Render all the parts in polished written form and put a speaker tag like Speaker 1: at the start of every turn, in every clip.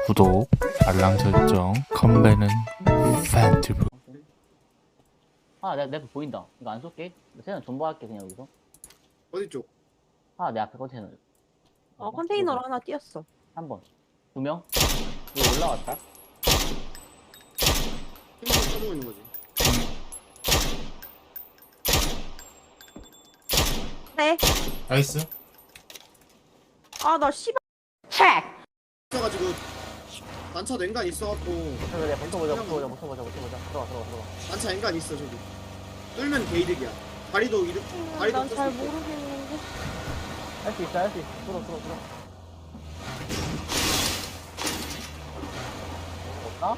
Speaker 1: 구독, 알람 설정, 컴배는 팬티브.
Speaker 2: 아, 내 앞에 보인다. 이거 안 쏠게. 쟤는 존버할게, 그냥 여기서.
Speaker 3: 어디 쪽?
Speaker 2: 아, 내 앞에 컨테이너.
Speaker 4: 컨테이너로 하나 띄었어.
Speaker 2: 한 번. 두 명? 이거 올라왔다.
Speaker 3: 힘으로 쳐주고 있는 거지.
Speaker 4: 네.
Speaker 1: 나이스.
Speaker 4: 아, 나 씨발. 책!
Speaker 3: 있어가지고 난차도 엔간 있어갖고
Speaker 2: 그래, 붙어보자. 들어가.
Speaker 3: 난차 엔간 있어 저기. 뚫면 게이득이야. 다리도 이득. 다리도
Speaker 4: 난 잘
Speaker 3: 뚫수 있고.
Speaker 4: 모르겠는데.
Speaker 2: 할 수 있어. 들어. 없나?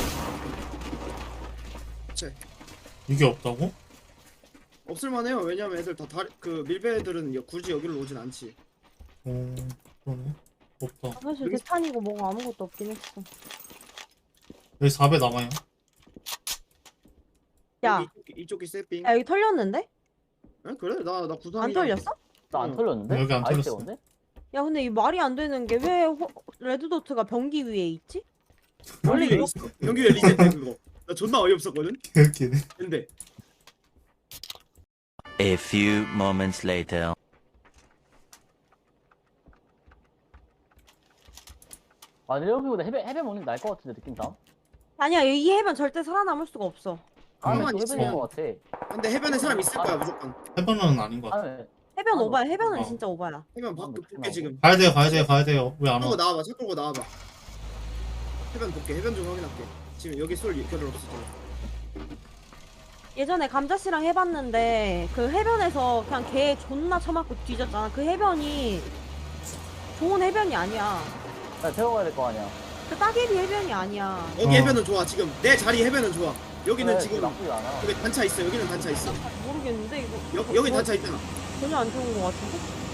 Speaker 3: 그치.
Speaker 1: 이게 없다고?
Speaker 3: 없을만해요. 왜냐면 애들 다 다리 그 밀배 애들은 굳이 여기로 오진 않지.
Speaker 1: 그러네. 없다.
Speaker 4: 사실
Speaker 3: 여기-
Speaker 4: 대탄이고 뭐가 아무것도 없긴 했어.
Speaker 1: 여기 4배 남아요.
Speaker 4: 야,
Speaker 3: 이쪽이 세핑.
Speaker 4: 야, 여기 털렸는데?
Speaker 3: 에? 그래? 나 구상이.
Speaker 4: 안 털렸어?
Speaker 2: 나 안
Speaker 3: 응.
Speaker 2: 털렸는데?
Speaker 1: 여기 안
Speaker 2: 아이스
Speaker 1: 털렸어.
Speaker 2: 때문에?
Speaker 4: 야, 근데 이 말이 안 되는 게 왜 레드도트가 변기 위에 있지? 원래
Speaker 3: 원래
Speaker 4: 이거
Speaker 3: 있어. 연기에 리셋돼 그거. 나 존나 어이없었거든.
Speaker 1: 개웃기네.
Speaker 3: 근데
Speaker 5: A few moments later.
Speaker 2: 아, 근데 여기보다 해변 먹는 게 나을 것 같은데, 느낌상?
Speaker 4: 아니야, 이 해변 절대 살아남을 수가 없어.
Speaker 2: 아,
Speaker 3: 가만히
Speaker 2: 근데 해변인
Speaker 3: 있어.
Speaker 2: 것 같아.
Speaker 3: 근데 해변에 사람 있을 거야 무조건.
Speaker 1: 해변은 아닌 것 같아.
Speaker 2: 아,
Speaker 4: 해변
Speaker 2: 아,
Speaker 4: 오바야. 해변은
Speaker 1: 어.
Speaker 4: 진짜 오바야.
Speaker 3: 해변
Speaker 2: 아,
Speaker 3: 밖에
Speaker 2: 뭐
Speaker 3: 볼게 지금.
Speaker 1: 가야 돼요. 왜 안
Speaker 3: 끌고
Speaker 1: 와?
Speaker 3: 나와봐. 차 끌고 나와봐. 해변 볼게. 해변 좀 확인할게. 지금 여기 쏠 결을 없어 지금.
Speaker 4: 예전에 감자씨랑 해봤는데 그 해변에서 그냥 개 존나 쳐맞고 뒤졌잖아. 그 해변이 좋은 해변이 아니야.
Speaker 2: 나 태워가야 될 거 아니야.
Speaker 4: 그 따개비 해변이 아니야.
Speaker 3: 여기
Speaker 1: 어.
Speaker 3: 해변은 좋아. 지금 내 자리 해변은 좋아. 여기는
Speaker 2: 그래,
Speaker 3: 지금
Speaker 2: 나쁘지 않아.
Speaker 3: 여기 단차 있어. 여기는 단차 있어.
Speaker 4: 모르겠는데 이거
Speaker 3: 여기 단차 있잖아.
Speaker 4: 전혀 안 좋은 거 같은데?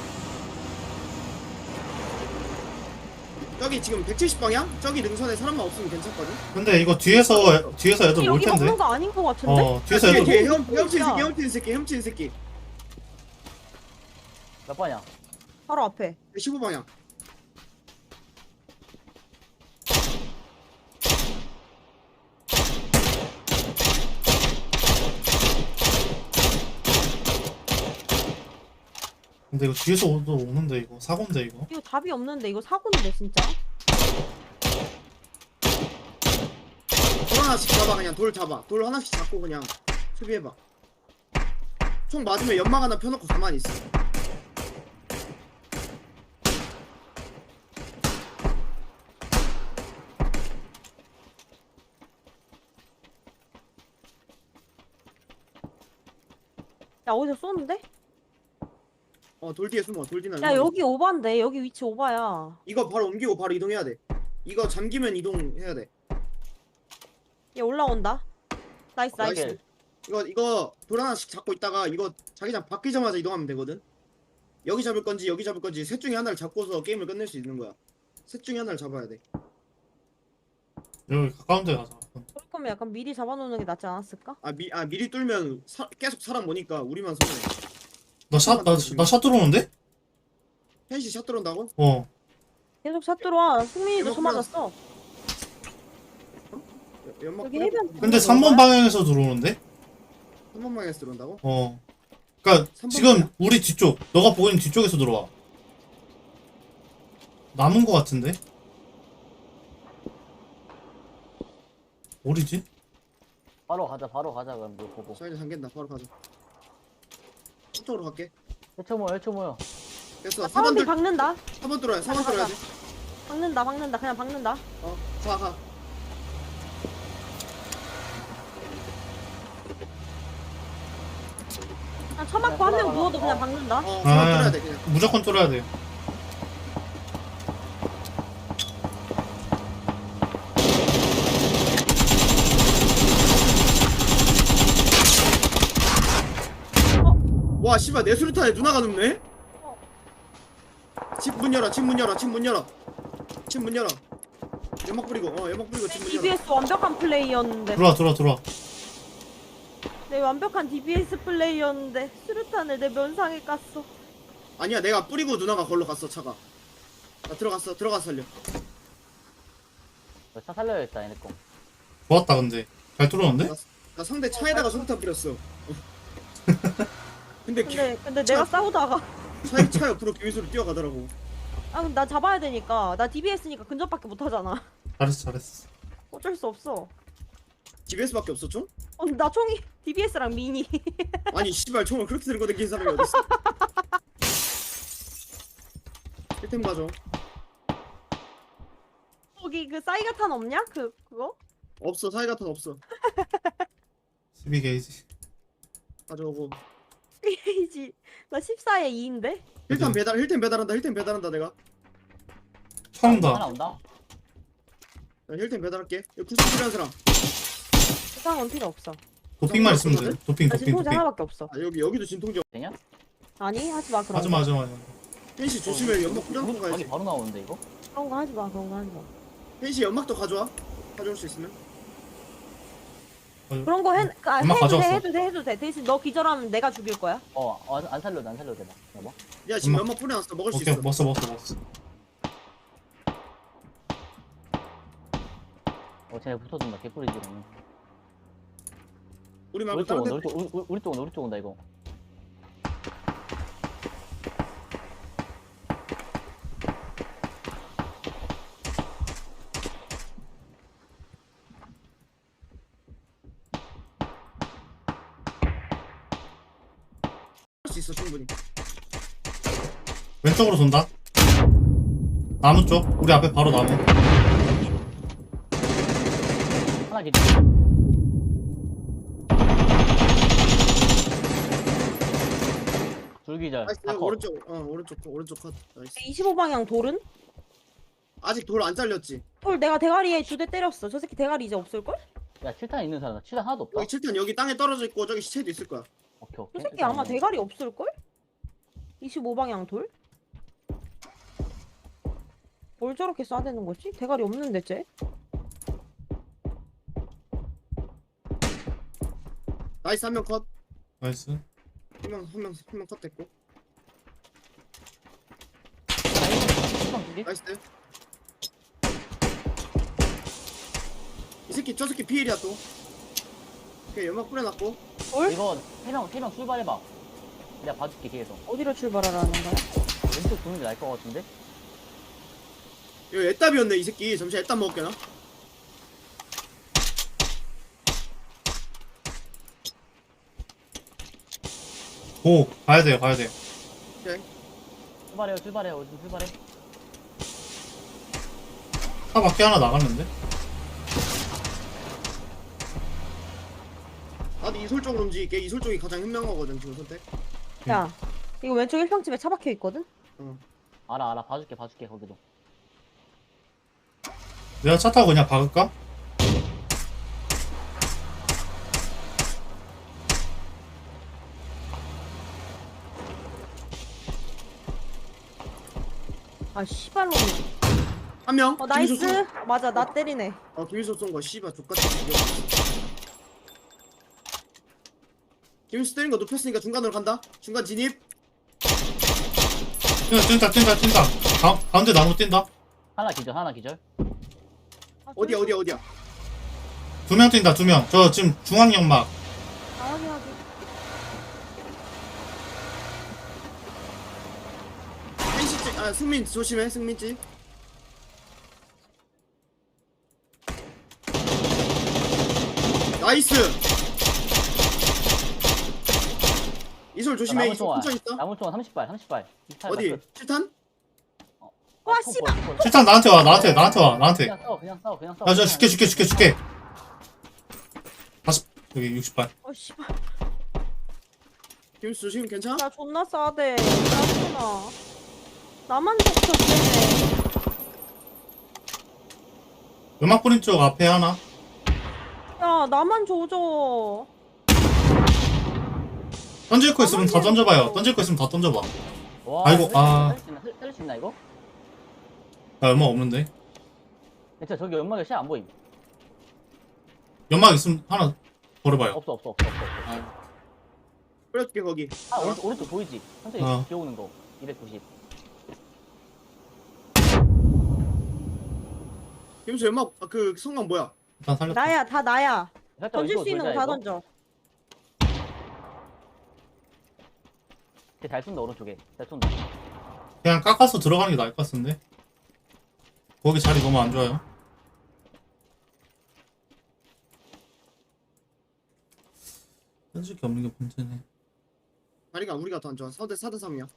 Speaker 3: 저기 지금 170방향? 저기 능선에 사람만 없으면 괜찮거든?
Speaker 1: 근데 이거 뒤에서 애들 올
Speaker 4: 여기
Speaker 1: 텐데.
Speaker 4: 먹는 거 아닌 거 같은데?
Speaker 1: 뒤에서 애들
Speaker 3: 뒤에
Speaker 4: 너무
Speaker 3: 헤엄친 새끼 헤엄친 새끼
Speaker 2: 몇 번이야?
Speaker 4: 바로 앞에.
Speaker 3: 15방향
Speaker 1: 근데 이거 뒤에서 오는데 이거 사고인데 이거.
Speaker 4: 이거 답이 없는데 이거 사고인데 진짜.
Speaker 3: 돌 하나씩 잡아. 그냥 돌 잡아. 돌 하나씩 잡고 그냥 수비해봐. 총 맞으면 연막 하나 펴놓고 가만히 있어.
Speaker 4: 야 어디서 쏘는데?
Speaker 3: 돌 뒤에 숨어. 돌 뒤는
Speaker 4: 야 여기 오바인데 여기 위치 오바야.
Speaker 3: 이거 바로 옮기고 바로 이동해야 돼. 이거 잠기면 이동해야 돼.
Speaker 4: 얘 올라온다. 나이스 나이스.
Speaker 3: 나이스. 이거 돌 하나씩 잡고 있다가 이거 자기장 바뀌자마자 이동하면 되거든. 여기 잡을 건지 여기 잡을 건지 셋 중에 하나를 잡고서 게임을 끝낼 수 있는 거야. 셋 중에 하나를 잡아야 돼.
Speaker 1: 여기 가까운 데 가자.
Speaker 4: 그럴 거면 약간 미리 잡아놓는 게 낫지 않았을까?
Speaker 3: 미리 뚫면 계속 사람 오니까 우리만 손해.
Speaker 1: 나샷 들어오는데?
Speaker 3: 펜시 샷 들어온다고?
Speaker 4: 계속 샷 들어와. 승민이도
Speaker 3: 대박
Speaker 4: 쳐 맞았어.
Speaker 3: 연막
Speaker 4: 여기 해변.
Speaker 1: 근데 3번 방향에서 들어오는데?
Speaker 3: 3번 방향에서 들어온다고?
Speaker 1: 그니까
Speaker 3: 3번
Speaker 1: 지금
Speaker 3: 방향.
Speaker 1: 우리 뒤쪽, 너가 보고 있는 뒤쪽에서 들어와. 남은 거 같은데? 어디지?
Speaker 2: 바로 가자, 그럼 이거 보고.
Speaker 3: 사이드 잠긴다. 바로 가자. 이쪽으로 갈게.
Speaker 2: 1초 모여.
Speaker 3: 됐어.
Speaker 4: 사람들
Speaker 3: 4번
Speaker 4: 박는다.
Speaker 3: 4번 뚫어야 4번 뚫어야 돼.
Speaker 4: 박는다. 그냥 박는다.
Speaker 3: 가.
Speaker 4: 그냥 쳐맞고 한 명 누워도 그냥 박는다.
Speaker 3: 4번 뚫어야 돼 그냥.
Speaker 1: 무조건 뚫어야 돼.
Speaker 3: 와 씨발 내 수류탄에 누나가 눕네? 집 문 열어. 연막 뿌리고 연막 뿌리고 집 문 열어.
Speaker 4: DBS 완벽한 플레이였는데.
Speaker 1: 들어와.
Speaker 4: 내 완벽한 DBS 플레이였는데 수류탄을 내 면상에 깠어.
Speaker 3: 아니야 내가 뿌리고 누나가 걸로 갔어 차가. 나 들어갔어 살려.
Speaker 2: 차 살려야겠다 얘네 거.
Speaker 1: 좋았다 근데 잘 뚫었는데?
Speaker 3: 나 상대 차에다가 소리탄 뿌렸어. 근데
Speaker 4: 근데 내가 싸우다가
Speaker 3: 차 옆으로 기위수로 뛰어가더라고.
Speaker 4: 아 근데 나 잡아야 되니까 나 DBS니까 근접밖에 못 하잖아.
Speaker 1: 잘했어.
Speaker 4: 어쩔 수 없어.
Speaker 3: GBS밖에 없었죠?
Speaker 4: 나 총이 DBS랑 미니.
Speaker 3: 아니 씨발 총을 그렇게 들고 다니는 사람이 어딨어? 1템 가져.
Speaker 4: 거기 그 사이가탄 없냐? 그거?
Speaker 3: 없어. 사이가탄 없어.
Speaker 1: 12게이지.
Speaker 3: 가져오고.
Speaker 4: 페이지 나 14에 2인데?
Speaker 3: 힐템 배달한다 내가.
Speaker 1: 처음
Speaker 2: 하나
Speaker 1: 다.
Speaker 2: 온다.
Speaker 3: 나 힐템 배달할게. 여기 구슬 필요한 사람.
Speaker 4: 부상은 필요 없어.
Speaker 1: 도핑만 있으면 돼. 도핑.
Speaker 4: 나 지금 통제 하나밖에 없어.
Speaker 3: 아 여기도 진통제.
Speaker 2: 되냐?
Speaker 4: 아니 하지 마 그런
Speaker 1: 하지마
Speaker 4: 거.
Speaker 1: 하지마.
Speaker 3: 펜시 조심해. 연막 뿌려놓고
Speaker 2: 거기
Speaker 3: 가야지.
Speaker 2: 바로 나오는데 이거?
Speaker 4: 그런 거 하지 마. 그런 거 하지 마.
Speaker 3: 펜시 연막도 가져와. 가져올 수 있으면.
Speaker 4: 그런 거
Speaker 1: 엄마
Speaker 4: 해도
Speaker 1: 가져왔어.
Speaker 4: 해도 돼. 대신 너 기절하면 내가 죽일 거야.
Speaker 2: 안 살려도 돼. 여보.
Speaker 3: 야 지금
Speaker 1: 엄마.
Speaker 3: 연막 뿌려놨어. 먹을 수
Speaker 1: 오케이
Speaker 3: 있어.
Speaker 1: 먹었어.
Speaker 2: 쟤네 붙어준다. 개꿀이지 그러면.
Speaker 3: 우리 말고
Speaker 2: 우리 쪽
Speaker 3: 다른
Speaker 2: 온다.
Speaker 3: 데.
Speaker 2: 우리 쪽 온다 이거.
Speaker 3: 할수 있어 충분히.
Speaker 1: 왼쪽으로 돈다. 나무 쪽. 우리 앞에 바로 나무.
Speaker 2: 하나 기절. 둘기절.
Speaker 3: 나이스.
Speaker 2: 다 컷.
Speaker 3: 오른쪽 컷. 나이스.
Speaker 4: 25방향 돌은?
Speaker 3: 아직 돌 안 잘렸지.
Speaker 4: 돌 내가 대가리에 2대 때렸어. 저 새끼 대가리 이제 없을걸?
Speaker 2: 야 7탄 있는 사람. 7탄 하나도 없다.
Speaker 3: 여기 7탄 여기 땅에 떨어져 있고 저기 시체도 있을 거야.
Speaker 2: 오케이.
Speaker 4: 저 새끼 아마 대가리 없을걸? 25방향 돌? 뭘 저렇게 쏴대는 거지? 대가리 없는데 쟤?
Speaker 3: 나이스 한 명 컷.
Speaker 1: 나이스.
Speaker 3: 한 명 컷 됐고. 나이스. 이 새끼 저 새끼 피해리야 또. 오케이 연막 뿌려놨고.
Speaker 4: 돌?
Speaker 2: 이거 3명 출발해봐. 내가 봐줄게 뒤에서.
Speaker 4: 어디로 출발하라는 거야?
Speaker 2: 왼쪽 도는 게 나을 것 같은데?
Speaker 3: 이거 애답이었네 이 새끼. 잠시 애답 먹을게나.
Speaker 1: 오 가야 돼요.
Speaker 3: 오케이.
Speaker 2: 출발해. 어디 출발해?
Speaker 1: 차 밖에 하나 나갔는데?
Speaker 3: 나도 이솔 쪽으로 움직일게. 이솔 쪽이 가장 현명하거든 지금 선택.
Speaker 4: 야, 이거 왼쪽 1평집에 차 박혀 있거든?
Speaker 2: 알아. 봐줄게 거기도.
Speaker 1: 내가 차 타고 그냥 박을까?
Speaker 4: 아, 씨발로.
Speaker 3: 한 명.
Speaker 4: 나이스. 맞아, 나 때리네.
Speaker 3: 김일수 쏜 거 씨발 족같이 죽여. 김일수 때린 거 눕혔으니까 중간으로 간다. 중간 진입.
Speaker 1: 뛴다. 가운데 나무 뛴다.
Speaker 2: 하나 기절.
Speaker 4: 아,
Speaker 3: 어디야.
Speaker 1: 2명 뛴다. 2명. 저 지금 중앙 연막.
Speaker 4: 하긴.
Speaker 3: 펜시집. 아 승민 조심해. 승민집. 나이스. 이솔 조심해. 이솔 혼자 있다.
Speaker 2: 나무 총알 30발.
Speaker 3: 어디? 7탄?
Speaker 4: 와, 씨발.
Speaker 1: 실탄 나한테 와. 나한테.
Speaker 2: 그냥 싸워.
Speaker 1: 야, 저 줄게. 다시 여기 60발.
Speaker 4: 씨발.
Speaker 3: 김일수 조심. 괜찮아?
Speaker 4: 나 존나 싸대. 짜증나. 나만 덮쳤네.
Speaker 1: 연막 뿌린 쪽 앞에 하나.
Speaker 4: 야, 나만 조져.
Speaker 1: 던질 거 있으면 다 던져봐요.
Speaker 2: 와,
Speaker 1: 아이고,
Speaker 2: 살릴 수 있나 이거?
Speaker 1: 나 연막 없는데.
Speaker 2: 진짜 저기 연막에 시야 안 보임.
Speaker 1: 연막 있으면 하나 버려봐요.
Speaker 2: 없어.
Speaker 3: 뿌려줄게 거기.
Speaker 2: 오른쪽 보이지? 천천히
Speaker 1: 어.
Speaker 2: 기어오는 거. 290.
Speaker 3: 김수 연막 그 성광 뭐야?
Speaker 1: 일단 살렸다.
Speaker 4: 나야, 다 나야.
Speaker 2: 살짝
Speaker 4: 던질
Speaker 2: 왼쪽으로
Speaker 4: 수 있는 거
Speaker 2: 돌자,
Speaker 4: 다
Speaker 2: 이거.
Speaker 4: 던져.
Speaker 2: 쟤잘 쏜다 오른쪽에. 잘 쏜다.
Speaker 1: 그냥 깎아서 들어가는 게 나을 것 같은데. 거기 자리 너무 안 좋아요. 던질 게 없는 게 문제네.
Speaker 3: 다리가 우리가 더 안 좋아. 4대 3이야.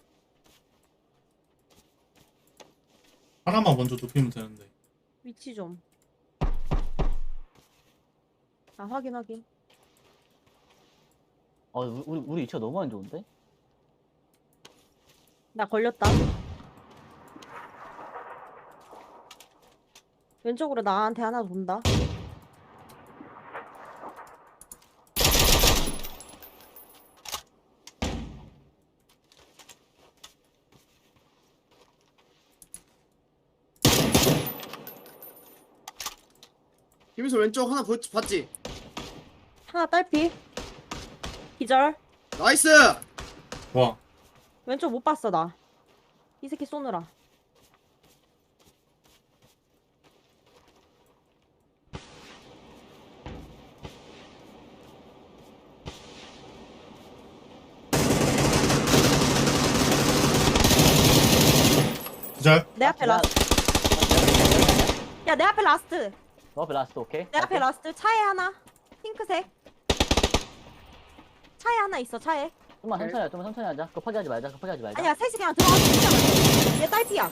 Speaker 1: 하나만 먼저 눕히면 되는데.
Speaker 4: 위치 좀. 아, 확인.
Speaker 2: 우리 위치가 너무 안 좋은데?
Speaker 4: 나 걸렸다. 왼쪽으로 나한테 하나 돈다.
Speaker 3: 김수 왼쪽 하나 봤지?
Speaker 4: 하나 딸피. 기절.
Speaker 3: 나이스.
Speaker 1: 와,
Speaker 4: 왼쪽 못 봤어, 나. 이 새끼 쏘느라.
Speaker 1: 기절.
Speaker 4: 내 앞에 라스트. 야, 내 앞에 라스트.
Speaker 2: 너 앞에 라스트 오케이?
Speaker 4: 내 앞에 라스트. 차에 하나. 핑크색. 차에 하나 있어, 차에.
Speaker 2: 좀만 천천히 하자. 좀만 천천히 하자. 급하게 하지 말자.
Speaker 4: 아니야, 셋이 그냥 들어가서 죽자. 얘 딸피야.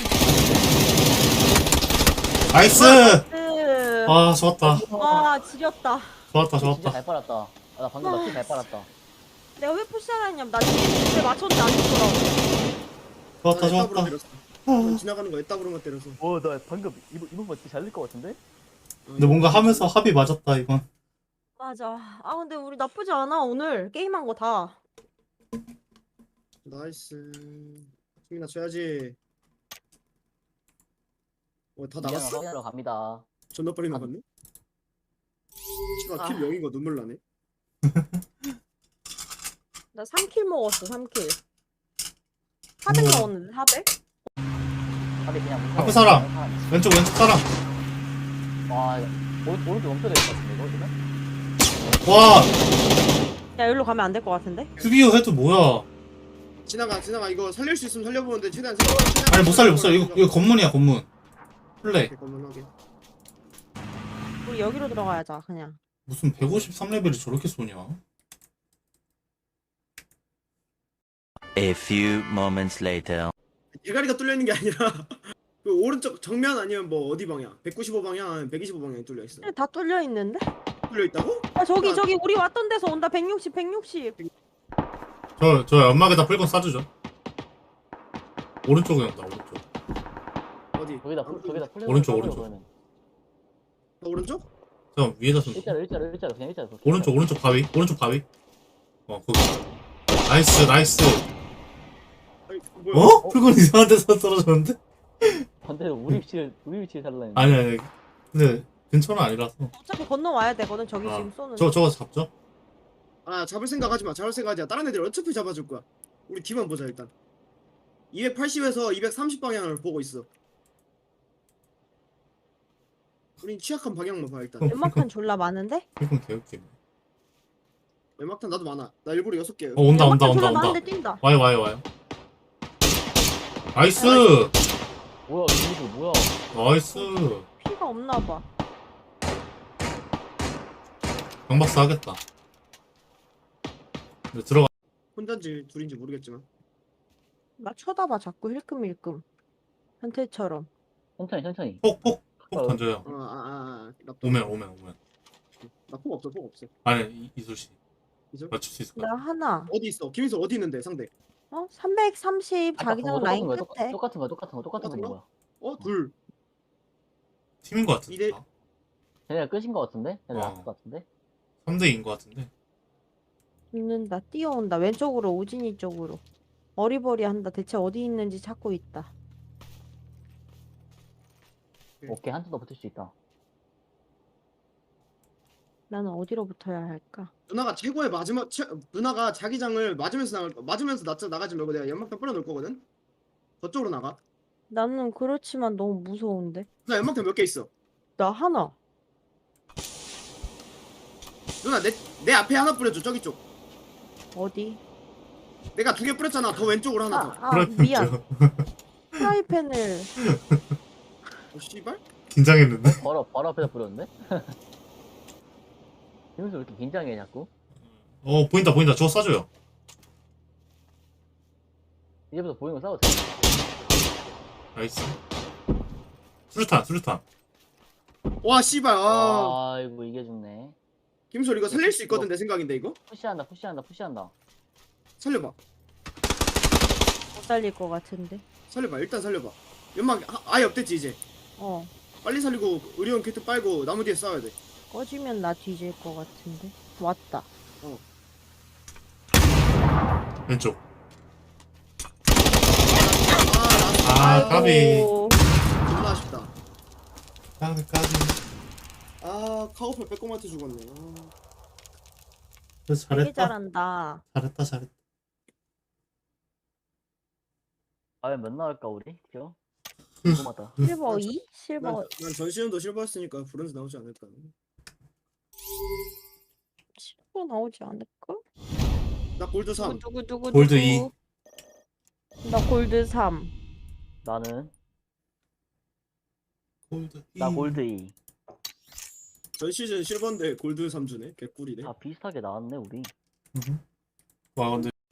Speaker 1: 나이스! 아, 좋았다.
Speaker 4: 와, 지렸다.
Speaker 1: 좋았다,
Speaker 2: 진짜
Speaker 1: 좋았다.
Speaker 2: 잘 빨았다. 아, 나 방금 나잘 빨았다.
Speaker 4: 내가 왜 푸시하라 했냐면, 나 뒤에 맞췄는데 안 죽더라고.
Speaker 1: 좋았다,
Speaker 3: 애따구로
Speaker 1: 좋았다.
Speaker 3: 때렸어. 그냥 지나가는 거 애따구로만 때려서.
Speaker 2: 나 방금 이번 번 진짜 잘 될 것 같은데?
Speaker 1: 근데 뭔가 하면서 합이 맞았다, 이건.
Speaker 4: 맞아. 아, 근데 우리 나쁘지 않아, 오늘. 게임한 거 다.
Speaker 3: 나이스. 수민아 줘야지. 다
Speaker 2: 이제는
Speaker 3: 나갔어?
Speaker 2: 확인하러 갑니다.
Speaker 3: 존나 빨리 나갔네. 씨발 킬 0인 거 눈물 나네.
Speaker 4: 나 3킬 먹었어, 3킬. 400
Speaker 1: 우와.
Speaker 4: 먹었는데, 400?
Speaker 2: 앞에 그냥 무서워.
Speaker 1: 앞에 사람. 왼쪽 사람.
Speaker 2: 와, 이거 오른쪽 멈춰야 될 것 같은데, 이거 지금?
Speaker 1: 와,
Speaker 4: 야, 여기로 가면 안 될 것 같은데?
Speaker 1: 큐비오 헤드 뭐야?
Speaker 3: 지나가 이거 살릴 수 있으면 살려보는데 최대한
Speaker 1: 아니, 못 살려. 이거 건문이야, 건문. 플레이.
Speaker 3: 건문하게.
Speaker 4: 우리 여기로 들어가야자, 그냥.
Speaker 1: 무슨 153레벨이 저렇게 쏘냐?
Speaker 5: A few moments later.
Speaker 3: 대가리가 뚫려 있는 게 아니라 그 오른쪽 정면 아니면 뭐 어디 방향? 195 방향 아니면 125 방향 뚫려 있어.
Speaker 4: 다 뚫려 있는데?
Speaker 3: 뚫려 있다고?
Speaker 4: 아, 저기, 우리 왔던 데서 온다, 160.
Speaker 1: 저 연막에다 풀건 쏴주죠. 오른쪽에 온다, 오른쪽.
Speaker 3: 어디?
Speaker 2: 저기다 플레이
Speaker 1: 오른쪽.
Speaker 3: 오른쪽?
Speaker 1: 저 위에다 쏜다.
Speaker 2: 일자로 그냥 일자로.
Speaker 1: 오른쪽 바위. 거기. 나이스.
Speaker 3: 아니, 뭐야?
Speaker 1: 어? 풀건 이상한 데서 떨어졌는데?
Speaker 2: 반대로 우리 위치를 살라 했는데.
Speaker 1: 아니. 근데 근처는 아니라서.
Speaker 4: 어차피 건너와야 되거든, 저기
Speaker 1: 아,
Speaker 4: 지금 쏘는.
Speaker 1: 저거 잡죠?
Speaker 3: 아 잡을 생각 하지 마. 다른 애들 어차피 잡아줄 거야. 우리 뒤만 보자 일단. 280에서 230 방향을 보고 있어. 우린 취약한 방향만 봐 일단.
Speaker 4: 연막판 졸라 많은데?
Speaker 1: 풀건 개웃기네.
Speaker 3: 웬막탄 나도 많아. 나 일부러 6개.
Speaker 1: 온다.
Speaker 4: 연막판 졸라 많은데 뛴다.
Speaker 1: 와요. 나이스!
Speaker 2: 뭐야, 이거 뭐야?
Speaker 1: 나이스!
Speaker 4: 피가 없나봐.
Speaker 1: 경박사 하겠다. 근데 들어가.
Speaker 3: 혼자인지 둘인지 모르겠지만.
Speaker 4: 나 쳐다봐, 자꾸 힐끔힐끔. 현태처럼.
Speaker 2: 천천히.
Speaker 1: 폭 던져요. 오면.
Speaker 3: 나폭 없어.
Speaker 1: 아니, 이술씨.
Speaker 3: 이술?
Speaker 1: 맞출 수 있을 것
Speaker 4: 나
Speaker 1: 같아.
Speaker 4: 하나.
Speaker 3: 어디 있어? 김인수 어디 있는데 상대?
Speaker 4: 330 자기장 라인 끝에.
Speaker 2: 똑같은 거 뭐야?
Speaker 3: 둘.
Speaker 1: 팀인 것 같은데.
Speaker 3: 이래-
Speaker 1: 다.
Speaker 2: 쟤네가 끝인 거 같은데? 쟤네
Speaker 1: 어.
Speaker 2: 나왔을 것 같은데?
Speaker 1: 3대2인 것 같은데.
Speaker 4: 죽는다. 뛰어온다. 왼쪽으로, 오진이 쪽으로. 어리버리한다. 대체 어디 있는지 찾고 있다.
Speaker 2: 오케이, 한 턴 더 붙을 수 있다.
Speaker 4: 나는 어디로 붙어야 할까?
Speaker 3: 누나가 최고의 마지막 누나가 자기장을 맞으면서 나가지 말고 내가 연막탄 뿌려놓을 거거든. 저쪽으로 나가.
Speaker 4: 나는 그렇지만 너무 무서운데.
Speaker 3: 누나 연막탄 몇 개 있어?
Speaker 4: 나 하나.
Speaker 3: 누나 내 앞에 하나 뿌려줘. 저기 쪽.
Speaker 4: 어디?
Speaker 3: 내가 2개 뿌렸잖아. 더 왼쪽으로 하나 더.
Speaker 4: 미안. 프라이팬을.
Speaker 3: 씨발?
Speaker 1: 긴장했는데?
Speaker 2: 바로 앞에다 뿌렸는데? 김수 왜 이렇게 긴장해 자꾸?
Speaker 1: 보인다. 저거 쏴줘요.
Speaker 2: 이제부터 보이는 거 싸워도 돼.
Speaker 1: 나이스. 수류탄.
Speaker 3: 와 씨발.
Speaker 2: 아이고 이게 죽네.
Speaker 3: 김솔 이거 살릴 수 있거든 내 생각인데 이거?
Speaker 2: 푸시한다.
Speaker 3: 살려봐.
Speaker 4: 못 살릴 것 같은데.
Speaker 3: 살려봐. 일단 살려봐. 연막 아예 없댔지 이제.
Speaker 4: 어.
Speaker 3: 빨리 살리고 의료용 키트 빨고 나무 뒤에 싸워야 돼.
Speaker 4: 꺼지면 나 뒤질 것 같은데. 왔다.
Speaker 1: 왼쪽. 까비.
Speaker 4: 아이고.
Speaker 3: 존나 아쉽다.
Speaker 1: 까비.
Speaker 3: 카우팔 빼꼼한테 죽었네.
Speaker 1: 그래서
Speaker 4: 되게
Speaker 1: 잘했다.
Speaker 4: 잘한다.
Speaker 1: 잘했다.
Speaker 2: 과연 몇 나올까 우리? 죠? 궁금하다.
Speaker 4: 실버 2? 실버
Speaker 3: 난 전시현도 실버였으니까 브론즈 나오지 않을까.
Speaker 4: 실버 나오지 않을까?
Speaker 3: 나 골드 3.
Speaker 4: 누구
Speaker 1: 골드 2.
Speaker 4: 나 골드 3.
Speaker 2: 나는
Speaker 1: 골드
Speaker 2: 나 골드 2.
Speaker 3: 전 시즌 실버인데 골드 3주네. 개꿀이네.
Speaker 2: 다 비슷하게 나왔네 우리.
Speaker 1: 와 근데